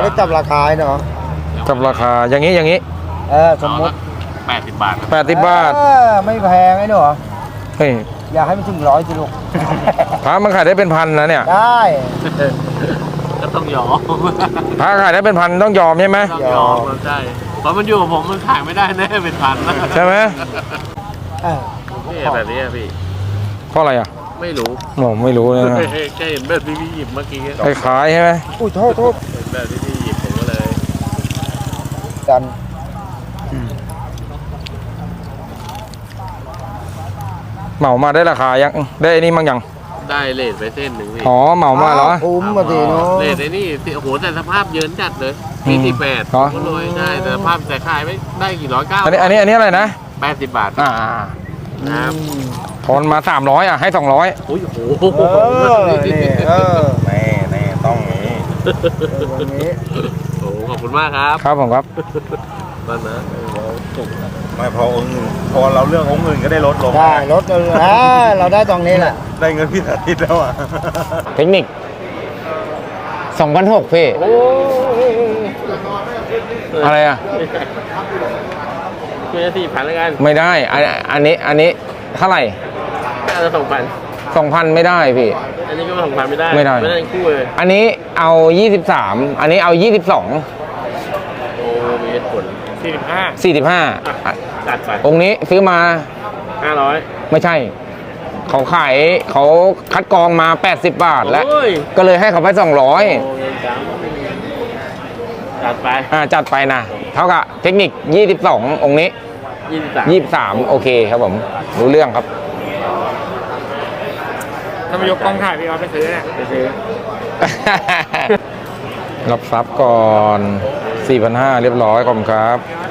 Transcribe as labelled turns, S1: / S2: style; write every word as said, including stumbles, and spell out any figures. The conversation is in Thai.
S1: ได้จับราคาเนาะ
S2: จับราคาอย่างนี้อย่างนี้
S1: เออสมมติ
S3: แปดสิบบาท
S2: แปดสิบบาท
S1: เออไม่แพงไอ้หนู
S2: เฮ้ย
S1: อยากให้มันถึงร้อยสิลูก
S2: พระมันขายได้เป็นพันนะเนี่ย
S1: ได้
S3: ก็ต้องยอม
S2: พระขายได้เป็นพันต้องยอมใช่ไหม
S3: ต้องยอมใช่เพราะมันอยู่กับผมมันขายไม่ได้แน่เป็นพันนะ
S2: ใช่ไหม
S1: เออ
S3: นี่แบบนี้อะพี่
S2: เพราะอะไรอ่ะ
S3: ไม่รู้
S2: ผมไม่รู้นะ
S3: แค่เห็นแบบที่พี่หยิบเมื่อกี้
S2: คล้ายๆใช่ไหม
S1: อุ้ยโทษโทษ
S3: เห็นแบบที่พี่หยิบผมก็เลย
S1: กัน
S2: เหมามาได้ราคายังได้ไอ้นี่มั้งยัง
S3: ได้เลทไปเส้นหนึ่งพี่
S2: อ๋อเหมามาเหรอ
S1: คุ้มมาสิเนาะ
S3: เลทไอ้นี่โอ้โหแต่สภาพเยินจัดเลยมีสิบแปด
S2: เหรอ
S3: ก็รวยได้แต่สภาพแต่ขายไม่ได้กี่ร้อยเก้า
S2: อันนี้อันนี้อันนี้อะไรนะ
S3: แปดสิบบาท
S2: อ่า
S3: ครับ
S2: ทอนมาสามร้อยอ่ะให้สองร้อย
S3: โอ้ยโอ้
S1: เอ
S3: โห
S1: อนี่เออ
S2: แน่แน่ต้องนี้
S1: วันนี้
S3: โอ้โหขอบคุณมากครับ
S2: ครับผมครับ
S3: ตอนนั้น
S4: ไม่พอองค์อื่นพอเราเลือกองค์อื่นก็ได้ลดลง
S1: ได้รถเลยอ่าเราได้ตรงนี้แหละ
S4: ได้เงินพี่สาธิตแล้วอ่ะ
S2: เทคนิคสองพันหกพี่
S3: โอ้
S2: อะไรอ่ะ
S3: ไม่ใช่สี่พันแล้วกัน
S2: ไม่ได้อันอันนี้อันนี้เท่าไหร่
S3: น่าจะสองพัน
S2: สองพันไม่ได้พี่
S3: อันนี้ก็สองพันไม่ได้
S2: ไม่ได้
S3: ไม่ได้ทั้งคู่เลย
S2: อันนี้เอายี่สิบสามอันนี้เอายี่สิบสอง
S3: โอ้มีเหตุผลสี่สิบห้า
S2: สี่สิบห้า
S3: จัดไป
S2: องค์นี้ซื้อมา
S3: ห้าร้อย
S2: ไม่ใช่ เขาขายเขาคัดกรองมาแปดสิบบาทแล้ว
S3: โอ้ย
S2: ก็เลยให้เขาไปสองร้อย
S3: โอ้ยจังจัดไป
S2: อ่าจัดไปนะเท่ากับเทคนิคยี่สิบสององค์นี้
S3: ยี่สิบสาม
S2: ยี่สิบสามโอเคครับผมรู้เรื่องครับ
S3: ถ้ามายกกล้องถ่ายพี่ออสไปซื้อเนี่ยไปซื้อ
S2: รับทรัพย์ก่อน สี่พันห้าร้อย เรียบร้อยขอบคุณครับ
S3: พี่ออส